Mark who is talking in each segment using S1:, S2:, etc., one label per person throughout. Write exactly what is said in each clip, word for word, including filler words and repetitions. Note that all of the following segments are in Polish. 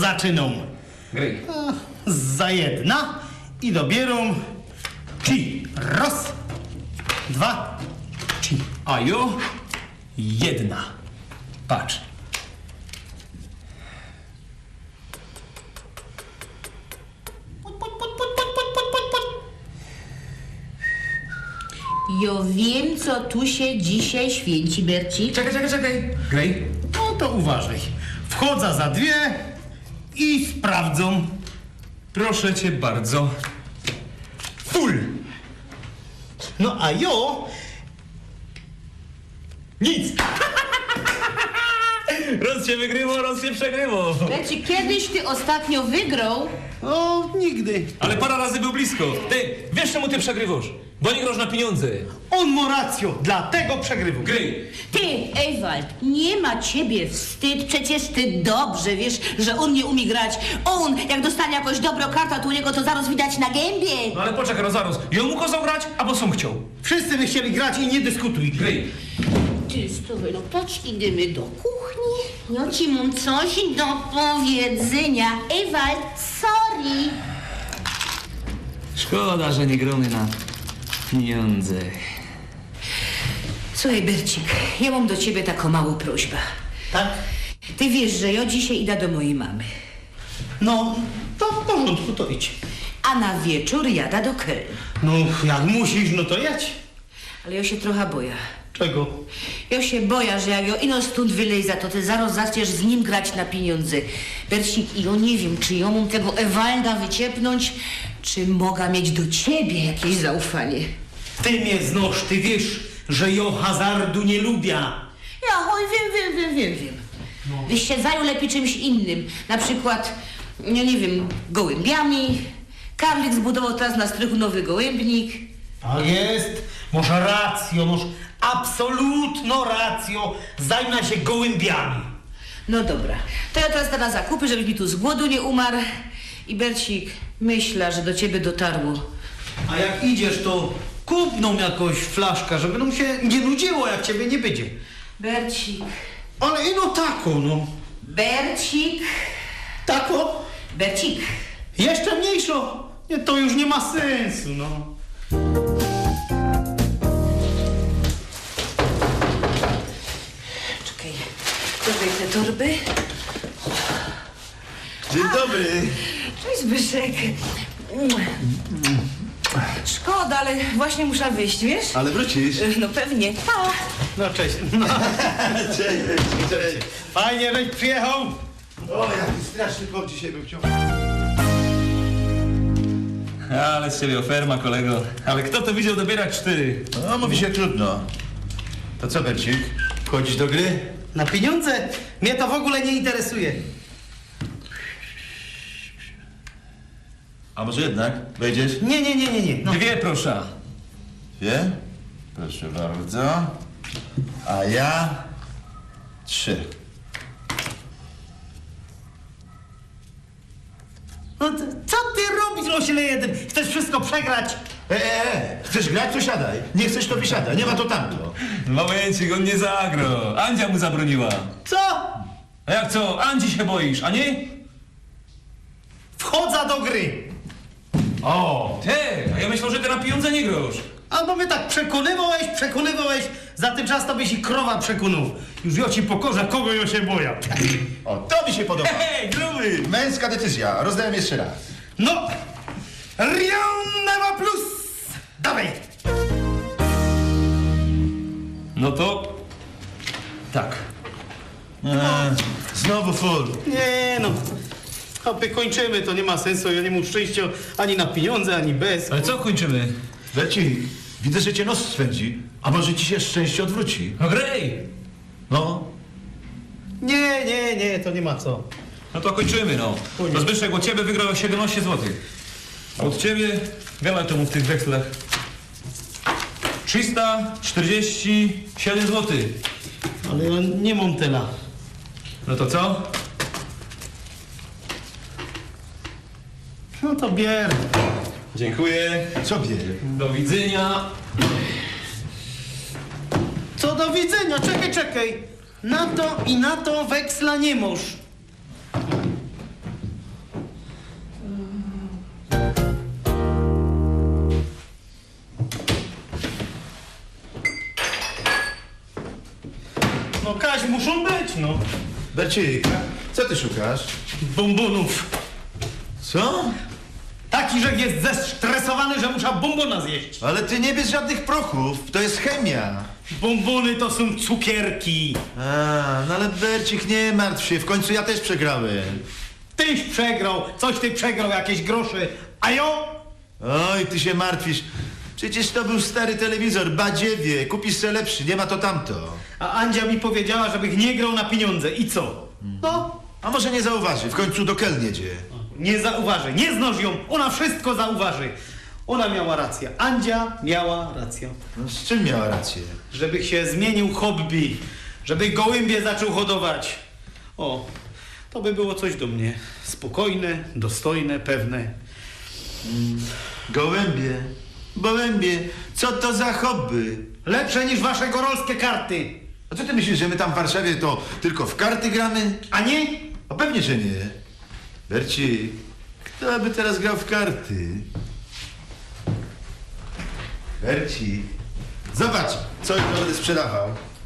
S1: zaczynam.
S2: Gry.
S1: Za jedna i dobieram ci. Raz, dwa, ci.
S2: A jo jedna. Patrz.
S3: Ja wiem, co tu się dzisiaj święci, Bercik.
S2: Czekaj, czekaj, czekaj. Grej.
S1: No to uważaj. Wchodzę za dwie i sprawdzą.
S2: Proszę cię bardzo. Full.
S1: No a jo...
S2: Nic. Roz się wygrywał, roz się przegrywał.
S3: Bercik, kiedyś ty ostatnio wygrał?
S1: O, nigdy.
S2: Ale parę razy był blisko. Ty, wiesz czemu ty przegrywasz? Bo nie grosz na pieniądze.
S1: On ma rację, dlatego przegrywał.
S2: Gry.
S3: Ty, Ewald, nie ma ciebie wstyd, przecież ty dobrze wiesz, że on nie umie grać. On, jak dostanie jakąś dobrą kartę, to u niego to zaraz widać na gębie.
S2: No ale poczekaj, no zaraz. Ja mu kazał grać, albo sam chciał.
S1: Wszyscy by chcieli grać i nie dyskutuj.
S2: Gry.
S3: Ty, stówę, no patrz, idziemy do kuchni. Ja ci mam coś do powiedzenia. Ewald, sorry.
S4: Szkoda, że nie gromy na pieniądze.
S3: Słuchaj, Bercik, ja mam do ciebie taką małą prośbę.
S1: Tak?
S3: Ty wiesz, że ja dzisiaj idę do mojej mamy.
S1: No, to w porządku, to idź.
S3: A na wieczór jada do Köln.
S1: No, jak musisz, no to jedź.
S3: Ale ja się trochę boję.
S1: Czego?
S3: Ja się boję, że jak ja ino stąd wylejza, to ty zaraz zaczniesz z nim grać na pieniądze. Bercik, i ja nie wiem, czy ja mam tego Ewalda wyciepnąć, czy mogę mieć do ciebie jakieś zaufanie.
S1: Ty mnie znosz, ty wiesz, że ja hazardu nie lubię.
S3: Ja, oj, wiem, wiem, wiem, wiem, wiem. No. Byś się zajął lepiej czymś innym. Na przykład, no nie wiem, gołębiami. Karlik zbudował teraz na strychu nowy gołębnik.
S1: Tak jest. Masz rację, masz absolutną rację. Zajmę się gołębiami.
S3: No dobra, to ja teraz idę na zakupy, żebyś mi tu z głodu nie umarł. I Bercik, myślę, że do ciebie dotarło.
S1: A jak idziesz, to kup nam jakąś flaszkę, żeby nam się nie nudziło, jak ciebie nie będzie.
S3: Bercik,
S1: Ale ino taką, no.
S3: Bercik,
S1: Tako?
S3: Bercik.
S1: Jeszcze mniejszą. Nie, to już nie ma sensu, no.
S3: Czekaj, dodaj te torby.
S5: Dzień dobry.
S3: Cześć, Zbyszek. Szkoda, ale właśnie muszę wyjść, wiesz?
S5: Ale wrócisz.
S3: No pewnie. Pa.
S1: No cześć. No.
S5: Cześć, cześć.
S1: Fajnie, żeś przyjechał.
S5: O, jaki straszny kop dzisiaj był w ciągu.
S2: Ale z ciebie oferma, kolego. Ale kto to widział dobierać cztery?
S5: No, mówi się trudno. To co, Bercik? Wchodzisz do gry?
S1: Na pieniądze? Mnie to w ogóle nie interesuje.
S5: A może jednak wejdziesz?
S1: Nie, nie, nie, nie, nie. No.
S2: Dwie, proszę.
S5: Dwie? Proszę bardzo. A ja... Trzy.
S1: No to, co ty robisz, ośle jeden? Chcesz wszystko przegrać?
S5: E, e, e, chcesz grać, to siadaj. Nie chcesz, to wysiadaj. Nie ma to tamto.
S2: Momencik, on nie zagrał. Andzia mu zabroniła.
S1: Co?
S2: A jak co? Andzi się boisz, a nie?
S1: Wchodzę do gry.
S2: O, ty, a ja myślę, że ty na pieniądze nie grosz.
S1: Albo mnie tak przekonywałeś, przekonywałeś, za ten czas to byś i krowa przekonał. Już ja ci pokorzę, kogo ja się boję.
S5: O, to mi się podoba.
S2: Hej, gruby!
S5: Męska decyzja. Rozdałem jeszcze raz.
S1: No, Rien ne va plus. Dawaj.
S2: No to... Tak.
S5: E, znowu full.
S1: Nie no, hopie, kończymy, to nie ma sensu, ja nie mam szczęścia ani na pieniądze, ani bez.
S2: Ale co kończymy?
S5: Bercik, widzę, że cię nos swędzi. A może ci się szczęście odwróci?
S2: No grej!
S5: No.
S1: Nie, nie, nie, to nie ma co.
S2: No to kończymy, no. To Zbyszek od ciebie wygrał siedemnaście złotych. A od ciebie, wiele to mu w tych wekslach? trzysta czterdzieści siedem złotych.
S1: Ale ja nie mam tyle.
S2: No to co?
S1: No to bier.
S2: Dziękuję.
S5: Co wie?
S2: Do widzenia.
S1: Co do widzenia, czekaj, czekaj. Na to i na to weksla nie możesz. No Kaś, muszą być, no.
S5: Bercik, co ty szukasz?
S1: Bombonów.
S5: Co?
S1: Taki, że jest zestresowany, że muszę bombona zjeść.
S5: Ale ty nie bierz żadnych prochów, to jest chemia.
S1: Bombony to są cukierki.
S5: A, no ale Bercik, nie martw się, w końcu ja też przegrałem.
S1: Tyś przegrał, coś ty przegrał, jakieś grosze. A jo?
S5: Oj, ty się martwisz. Przecież to był stary telewizor, badziewie, kupisz se lepszy, nie ma to tamto.
S1: A Andzia mi powiedziała, żebych nie grał na pieniądze. I co? No,
S5: A może nie zauważy, w końcu do Kel jedzie.
S1: nie zauważy, nie znoż ją, ona wszystko zauważy. Ona miała rację, Andzia miała rację.
S5: No, z czym miała rację?
S1: Żebych się zmienił hobby, żebych gołębie zaczął hodować. O, to by było coś do mnie. Spokojne, dostojne, pewne.
S5: Gołębie, gołębie, co to za hobby?
S1: Lepsze niż wasze gorolskie karty.
S5: A co ty myślisz, że my tam w Warszawie to tylko w karty gramy?
S1: A nie?
S5: A pewnie, że nie. Bercik, kto by teraz grał w karty? Bercik, zobacz, co już będę sprzedawał.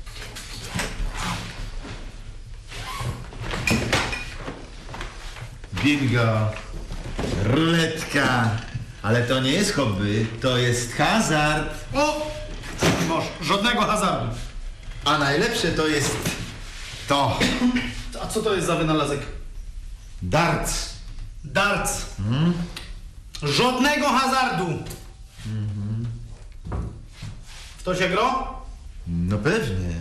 S5: Bingo, ruletka, ale to nie jest hobby, to jest hazard.
S1: O! Masz, żadnego hazardu.
S5: A najlepsze to jest to.
S1: A co to jest za wynalazek?
S5: Darts.
S1: Darts. Żadnego hazardu. W to się gro?
S5: No pewnie.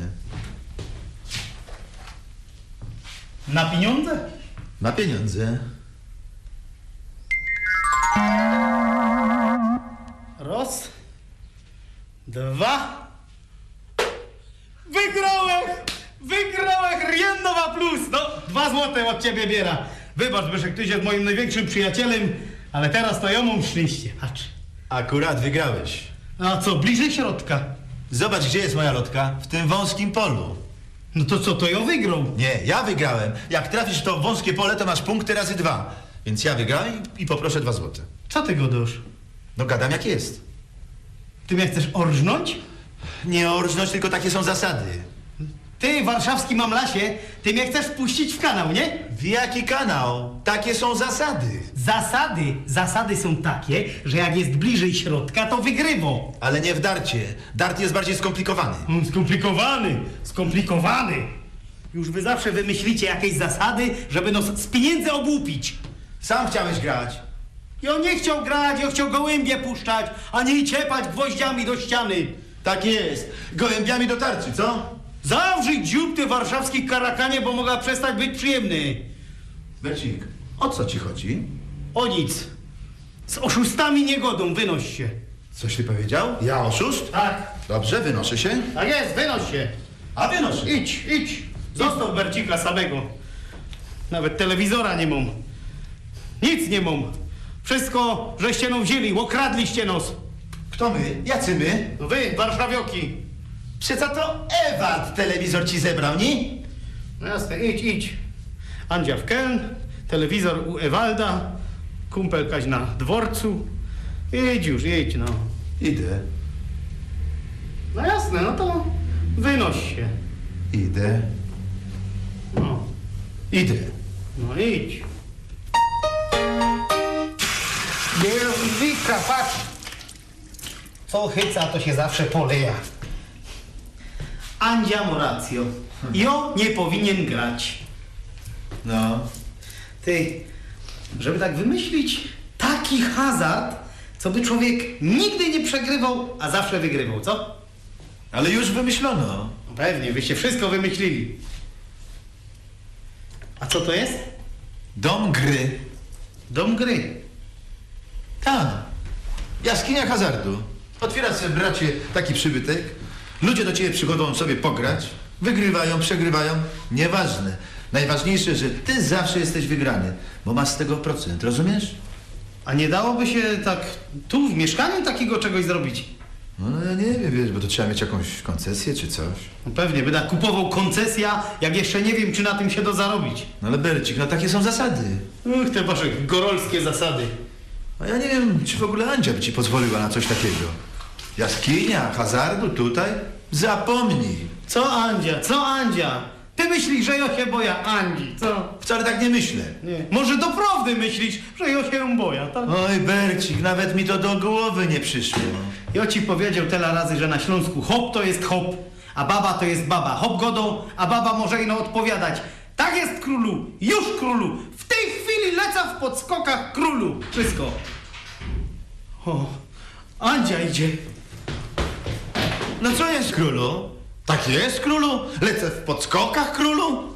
S1: Na pieniądze?
S5: Ma pieniądze.
S1: Raz. Dwa. Wygrałem! Wygrałem! Riennowa plus! No, dwa złote od ciebie biera. Wybacz, Byszek, tyś jest moim największym przyjacielem, ale teraz to ja mam szczęście. Patrz.
S5: Akurat wygrałeś.
S1: A co, bliżej środka?
S5: Zobacz, gdzie jest moja lotka? W tym wąskim polu.
S1: No to co, to ja wygrał.
S5: Nie, ja wygrałem. Jak trafisz w to wąskie pole, to masz punkty razy dwa. Więc ja wygrałem i, i poproszę dwa złote.
S1: Co ty godasz?
S5: No gadam jak jest.
S1: Ty mnie chcesz orżnąć?
S5: Nie orżnąć, tylko takie są zasady.
S1: Ty, warszawski mamlasie, ty mnie chcesz wpuścić w kanał, nie?
S5: W jaki kanał? Takie są zasady.
S1: Zasady, zasady są takie, że jak jest bliżej środka, to wygrywo.
S5: Ale nie w darcie. Dart jest bardziej skomplikowany.
S1: Mm, Skomplikowany, skomplikowany. Już wy zawsze wymyślicie jakieś zasady, żeby nos z pieniędzy obłupić.
S5: Sam chciałeś grać.
S1: Ja nie chciał grać, ja chciał gołębie puszczać, a nie ciepać gwoździami do ściany.
S5: Tak jest. Gołębiami do tarczy, co?
S1: Zawrzyj dziób ty warszawski karakanie, bo mogła przestać być przyjemny.
S5: Bercik, o co ci chodzi?
S1: O nic. Z oszustami nie godą, wynoś się.
S5: Coś ty powiedział? Ja oszust?
S1: Tak.
S5: Dobrze, wynoszę się.
S1: Tak jest, wynoś się.
S5: A wynoszę.
S1: Idź, idź. Zostaw Bercika samego. Nawet telewizora nie mam. Nic nie mam. Wszystko żeście no wzięli, okradliście nos.
S5: Kto my? Jacy my?
S1: No wy, warszawioki.
S5: Przeca to Ewart telewizor ci zebrał, nie?
S1: No jasne, idź, idź. Andzia w Keln, telewizor u Ewalda, kumpel Kaś na dworcu. Idź już, idź, no.
S5: Idę.
S1: No jasne, no to wynoś się.
S5: Idę.
S1: No,
S5: Idę.
S1: no idź. Wika, patrz. Co chyca, to się zawsze poleja. Andzia ma rację. Jo nie powinien grać.
S5: No.
S1: Ty, żeby tak wymyślić taki hazard, co by człowiek nigdy nie przegrywał, a zawsze wygrywał, co?
S5: Ale już wymyślono.
S1: No pewnie, wyście wszystko wymyślili. A co to jest?
S5: Dom gry.
S1: Dom gry.
S5: Tak. Jaskinia hazardu. Otwierasz sobie, bracie, taki przybytek. Ludzie do ciebie przychodzą sobie pograć. Wygrywają, przegrywają. Nieważne. Najważniejsze, że ty zawsze jesteś wygrany, bo masz z tego procent, rozumiesz?
S1: A nie dałoby się tak tu w mieszkaniu takiego czegoś zrobić?
S5: No, no ja nie wiem, wiesz, bo to trzeba mieć jakąś koncesję czy coś.
S1: No pewnie, będę kupował koncesja, jak jeszcze nie wiem, czy na tym się da zarobić.
S5: No ale Bercik, no takie są zasady.
S1: Uch, te wasze gorolskie zasady.
S5: A ja nie wiem, czy w ogóle Andzia by ci pozwoliła na coś takiego. Jaskinia hazardu tutaj? Zapomnij.
S1: Co Andzia, co Andzia? Ty myślisz, że ja się boja Andzi, co?
S5: Wcale tak nie myślę.
S1: Nie. Może doprawdy myślisz, że ja się boja, tak?
S5: Oj, Bercik, nawet mi to do głowy nie przyszło.
S1: Ja ci powiedział tyle razy, że na Śląsku hop to jest hop, a baba to jest baba. Hop godą, a baba może ino odpowiadać. Tak jest królu, już królu, w tej chwili lecę w podskokach królu. Wszystko. O, Andzia idzie.
S5: No co jest, królu? Tak jest, królu? Lecę w podskokach, królu?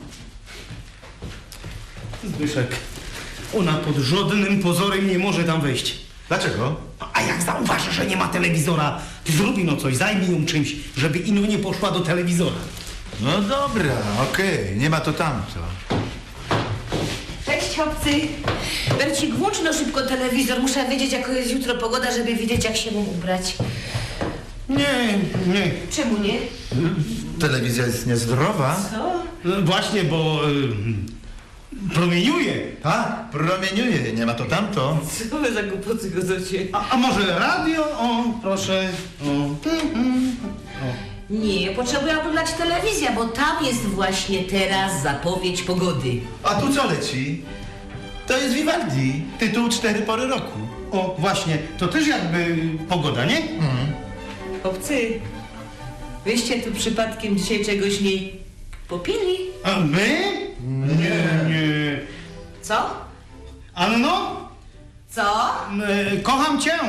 S1: Zbyszek, ona pod żadnym pozorem nie może tam wejść.
S5: Dlaczego?
S1: A jak zauważy, że nie ma telewizora, to zrobi no coś, zajmij ją czymś, żeby ino nie poszła do telewizora.
S5: No dobra, okej, nie ma to tamto.
S3: Cześć, chłopcy. Bercik, włącz no szybko telewizor. Muszę wiedzieć, jaka jest jutro pogoda, żeby wiedzieć, jak się mam ubrać.
S1: Nie, nie.
S3: Czemu nie?
S5: Telewizja jest niezdrowa.
S3: Co?
S1: No właśnie, bo y, promieniuje.
S5: Tak, promieniuje, nie ma to tamto.
S3: Co wy za głupoty godocie?
S1: A, a może radio? O, proszę. O. Mhm. O.
S3: Nie, potrzebuję oglądać telewizję, bo tam jest właśnie teraz zapowiedź pogody.
S5: A tu co leci? To jest Vivaldi, tytuł Cztery pory roku.
S1: O, właśnie, to też jakby pogoda, nie?
S3: Chłopcy, wyście tu przypadkiem dzisiaj czegoś nie popili?
S1: A my? Nie, nie.
S3: Co?
S1: Anno?
S3: Co?
S1: Y, kocham cię.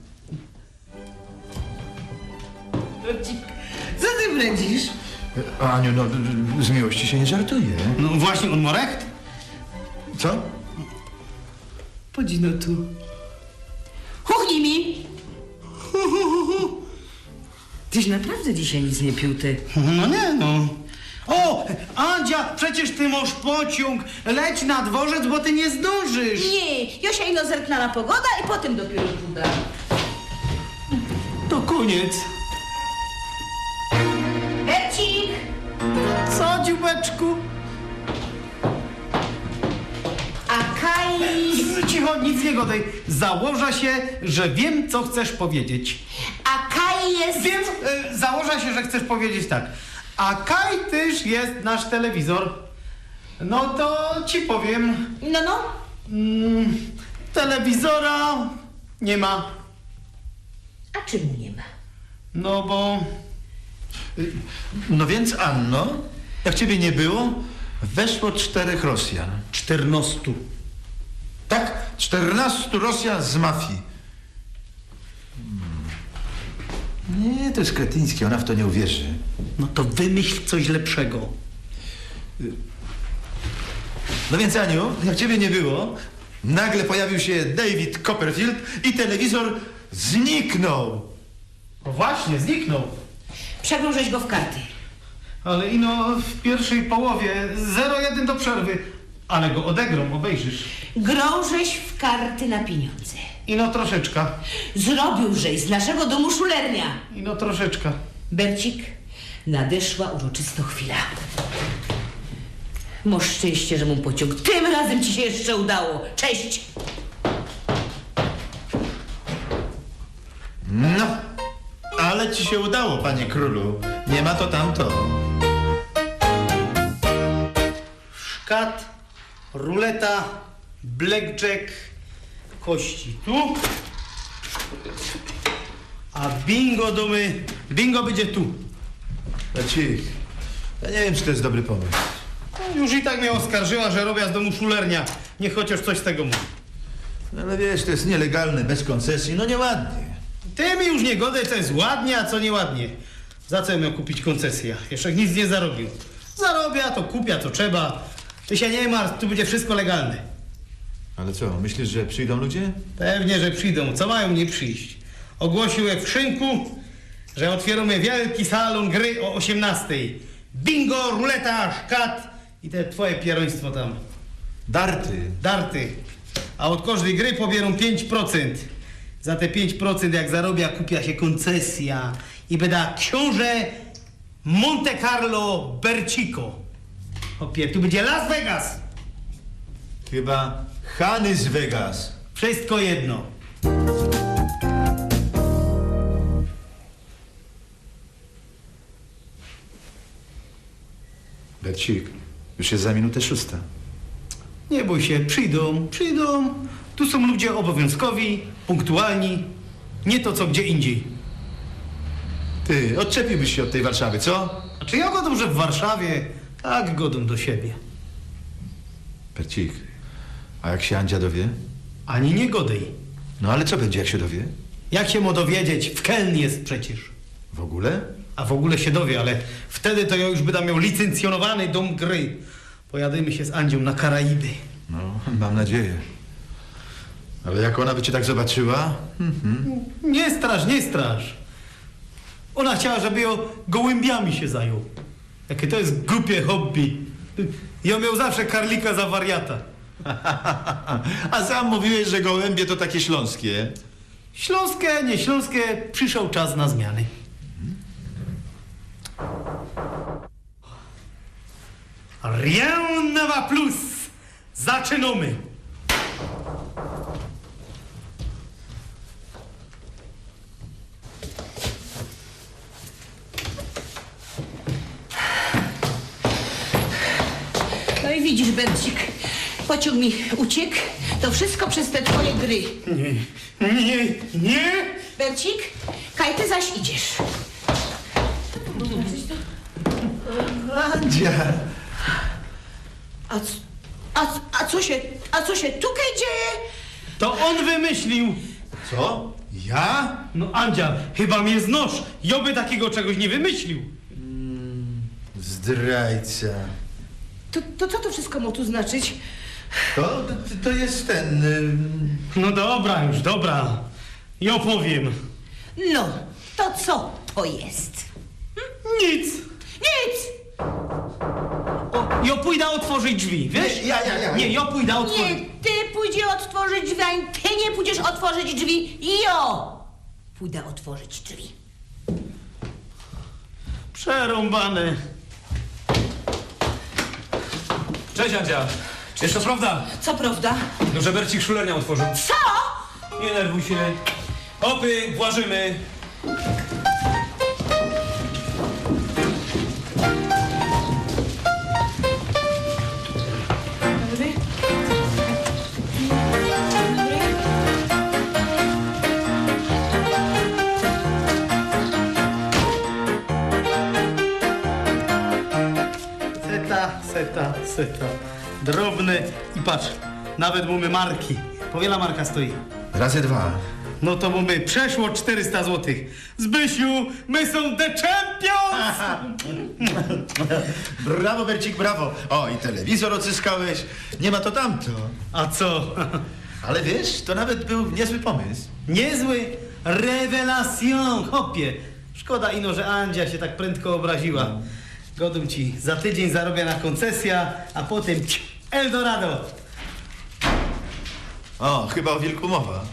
S3: Bercik, co ty brędzisz?
S5: Aniu, no z miłości się nie żartuje.
S1: No właśnie, on ma recht.
S5: Co?
S3: Chodź no tu. Chuchnij mi! Tyś naprawdę dzisiaj nic nie pił, ty.
S1: No nie, no. O, Andzia, przecież ty masz pociąg. Leć na dworzec, bo ty nie zdążysz.
S3: Nie, Josia ino zerkna na pogoda i potem dopiero puda.
S1: To koniec.
S3: Bercik!
S1: Co, dziubeczku?
S3: A Kai...
S1: Cicho, nic nie godaj. Założa się, że wiem, co chcesz powiedzieć.
S3: A Kai jest...
S1: Wiem, y, założa się, że chcesz powiedzieć tak. A Kaj też jest nasz telewizor. No to ci powiem.
S3: No, no.
S1: Mm, telewizora nie ma.
S3: A czemu nie ma?
S1: No bo...
S5: No więc, Anno, jak ciebie nie było, weszło czterech Rosjan.
S1: Czternastu.
S5: Tak, czternastu Rosjan z mafii. Hmm. Nie, to jest kretyńskie, ona w to nie uwierzy.
S1: No to wymyśl coś lepszego.
S5: No więc, Aniu, jak ciebie nie było, nagle pojawił się David Copperfield i telewizor zniknął.
S1: No właśnie, zniknął.
S3: Przegrążeś go w karty.
S1: Ale ino w pierwszej połowie zero jeden do przerwy. Ale go odegrą, obejrzysz.
S3: Grążeś w karty na pieniądze.
S1: Ino troszeczkę.
S3: Zrobiłżeś z naszego domu szulernia.
S1: Ino troszeczkę.
S3: Bercik, nadeszła uroczysta chwila. Masz szczęście, że mu pociąg tym razem ci się jeszcze udało. Cześć!
S5: No, ale ci się udało, panie królu. Nie ma to tamto.
S1: Szkat, ruleta, blackjack, kości tu. A bingo domy, bingo będzie tu.
S5: Bercik, ja nie wiem, czy to jest dobry pomysł.
S1: No, już i tak mnie oskarżyła, że robię z domu szulernia. Niech chociaż coś z tego mówi.
S5: No ale wiesz, to jest nielegalne, bez koncesji, no nieładnie.
S1: Ty mi już nie godaj, co jest ładnie, a co nieładnie. Za co miał kupić koncesję? Jeszcze nic nie zarobił. Zarobia, to kupia, co trzeba. Ty się nie martw, tu będzie wszystko legalne.
S5: Ale co, myślisz, że przyjdą ludzie?
S1: Pewnie, że przyjdą. Co mają nie przyjść? Ogłosił jak w szynku, że otwieramy wielki salon gry o osiemnastej. Bingo, ruleta, szkat i te twoje pieroństwo tam.
S5: Darty.
S1: Darty. A od każdej gry pobierą pięć procent. Za te pięć procent jak zarobia, kupia się koncesja i będa książę Monte Carlo Bercico. Opie, tu będzie Las Vegas.
S5: Chyba Hany z Vegas.
S1: Wszystko jedno.
S5: Bercik, już jest za minutę szósta.
S1: Nie bój się, przyjdą, przyjdą. Tu są ludzie obowiązkowi, punktualni. Nie to, co gdzie indziej.
S5: Ty, odczepiłbyś się od tej Warszawy, co?
S1: A czy ja godą, że w Warszawie tak godą do siebie?
S5: Bercik, a jak się Andzia dowie?
S1: Ani nie godej.
S5: No ale co będzie, jak się dowie?
S1: Jak się mu dowiedzieć? W Keln jest przecież.
S5: W ogóle?
S1: A w ogóle się dowie, ale wtedy to ja już będę miał licencjonowany dom gry. Pojadymy się z Andzią na Karaiby.
S5: No, mam nadzieję. Ale jak ona by cię tak zobaczyła?
S1: Nie straż, nie straż. Ona chciała, żeby ją gołębiami się zajął. Jakie to jest głupie hobby. Ja miał zawsze karlika za wariata.
S5: A sam mówiłeś, że gołębie to takie śląskie.
S1: Śląskie, nie śląskie, przyszedł czas na zmiany. Rien ne va plus. Zaczynamy.
S3: No i widzisz, Bercik, pociąg mi uciekł. To wszystko przez te twoje gry.
S1: Nie, nie, nie.
S3: Bercik, Kaj, ty zaś idziesz.
S5: Andzia!
S3: A, c- a, c- a co się, a co się tutaj dzieje?
S1: To on wymyślił.
S5: Co? Ja?
S1: No Andzia, chyba mnie znosz. Joby takiego czegoś nie wymyślił.
S5: Zdrajca.
S3: To, to co to wszystko ma tu znaczyć?
S5: To, to, to jest ten... ym,
S1: No dobra już, dobra. I opowiem.
S3: No, to co to jest?
S1: Nic.
S3: Nic!
S1: O, ja pójdę otworzyć drzwi, wiesz?
S5: Nie, ja, ja, ja.
S1: Nie, ja pójdę otworzyć.
S3: Nie, ty pójdziesz otworzyć drzwi, ani ty nie pójdziesz otworzyć drzwi. Jo! Pójdę otworzyć drzwi.
S1: Przerąbane.
S2: Cześć, Andzia. Jest to prawda,
S3: Co prawda?
S2: no, że Bercik szulernią otworzył.
S3: Co?
S2: Nie nerwuj się. Hopy, włażymy.
S3: Dobry.
S1: Seta, seta, seta. Drobne i patrz, nawet mamy marki. Powiela marka stoi.
S5: Razy dwa.
S1: No to mamy przeszło czterysta złotych. Zbysiu, my są the champions!
S5: Brawo, Bercik, brawo. O, i telewizor odzyskałeś. Nie ma to tamto.
S1: A co?
S5: Ale wiesz, to nawet był niezły pomysł.
S1: Niezły rewelation, hopie. Szkoda ino, że Andzia się tak prędko obraziła. Godum ci, za tydzień zarobię na koncesja, a potem ciu, Eldorado.
S5: O, chyba o wilku mowa.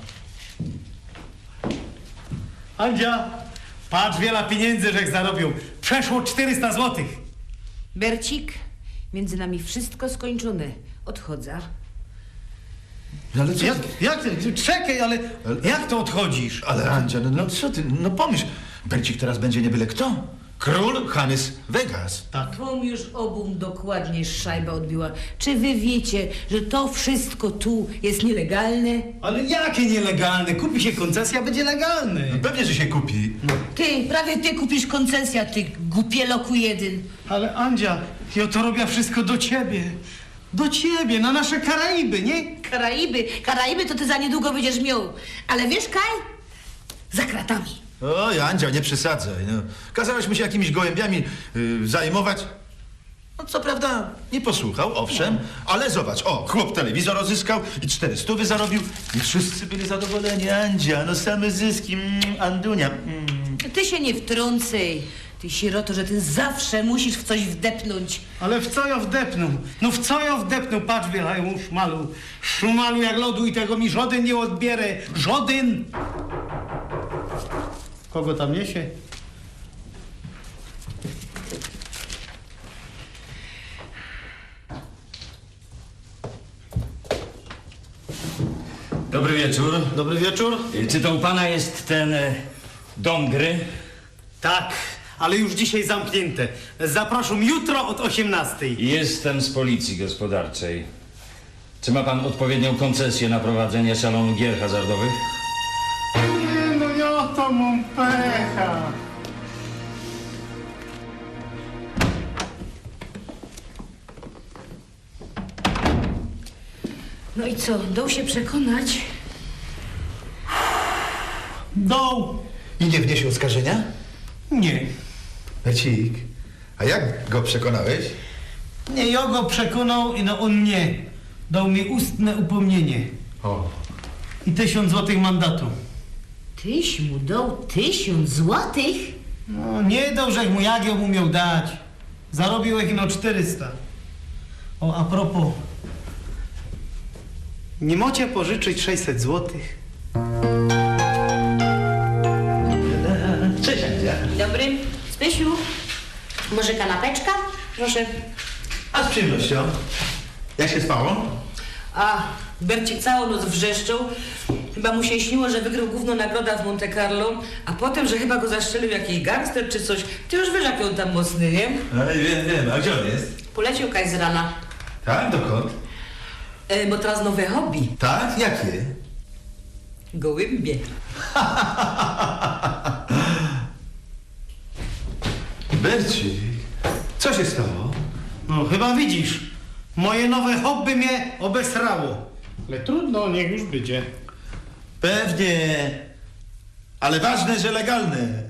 S1: Andzia, patrz wiele pieniędzy, żech zarobił. Przeszło czterysta złotych.
S3: Bercik, między nami wszystko skończone. Odchodzę.
S5: Ale co?
S1: Jak, jak ty? Czekaj, ale jak to odchodzisz?
S5: Ale Andzia, no, no co ty, no pomyśl. Bercik teraz będzie nie byle kto. Król Hanys Vegas.
S1: Tak.
S3: Wam już obum dokładnie szajba odbiła. Czy wy wiecie, że to wszystko tu jest nielegalne?
S1: Ale jakie nielegalne? Kupi się koncesja, będzie legalny.
S5: No pewnie, że się kupi.
S3: Ty, prawie ty kupisz koncesja, ty głupieloku jeden.
S1: Ale Andzia, ja to robię wszystko do ciebie. Do ciebie, na nasze Karaiby, nie?
S3: Karaiby, Karaiby to ty za niedługo będziesz miał. Ale wiesz, Kaj? Za kratami.
S5: Oj, Andzia, nie przesadzaj. No. Kazałeś mu się jakimiś gołębiami y, zajmować. No co prawda nie posłuchał, owszem, ale zobacz, o, chłop telewizor odzyskał i cztery stówy zarobił i wszyscy byli zadowoleni. Andzia, no same zyski, mm, Andunia. Mm.
S3: Ty się nie wtrącaj. Ty sieroto, że ty zawsze musisz w coś wdepnąć.
S1: Ale w co ja wdepnął? No w co ja wdepnął? Patrz, wielają szmalu. Szmalu jak lodu i tego mi żaden nie odbierę. Żaden! Kogo tam niesie?
S6: Dobry wieczór.
S1: Dobry wieczór.
S6: Czy to u pana jest ten e, dom gry?
S1: Tak, ale już dzisiaj zamknięte. Zapraszam jutro od osiemnastej.
S6: Jestem z policji gospodarczej. Czy ma pan odpowiednią koncesję na prowadzenie salonu gier hazardowych?
S1: Nie, no ja to mam pecha.
S3: No i co, dał się przekonać?
S1: Doł.
S5: I nie wniesie oskarżenia?
S1: Nie.
S5: Bercik, a jak go przekonałeś?
S1: Nie, ja go przekonał i no on nie. Dał mi ustne upomnienie.
S5: O.
S1: I tysiąc złotych mandatu.
S3: Tyś mu dał tysiąc złotych?
S1: No nie dał, że mu jak ją mu miał dać. Zarobił ich no czterysta. O, a propos. Nie mocie pożyczyć sześćset złotych?
S5: Cześć, Andzia.
S3: Dobry. Spysiu, może kanapeczka? Proszę.
S5: A z przyjemnością. Jak się spało?
S3: A, Bercik całą noc wrzeszczał. Chyba mu się śniło, że wygrał główną nagrodę w Monte Carlo, a potem, że chyba go zastrzelił jakiś gangster czy coś. Ty już wiesz, jak on tam mocny, nie?
S5: No wiem, wiem. A gdzie on jest?
S3: Poleciał kaj z rana.
S5: Tak? Dokąd?
S3: E, bo teraz nowe hobby.
S5: Tak? Jakie?
S3: Gołębie.
S5: Bercik, co się stało?
S1: No chyba widzisz. Moje nowe hobby mnie obesrało. Ale trudno, niech już będzie.
S5: Pewnie. Ale ważne, że legalne.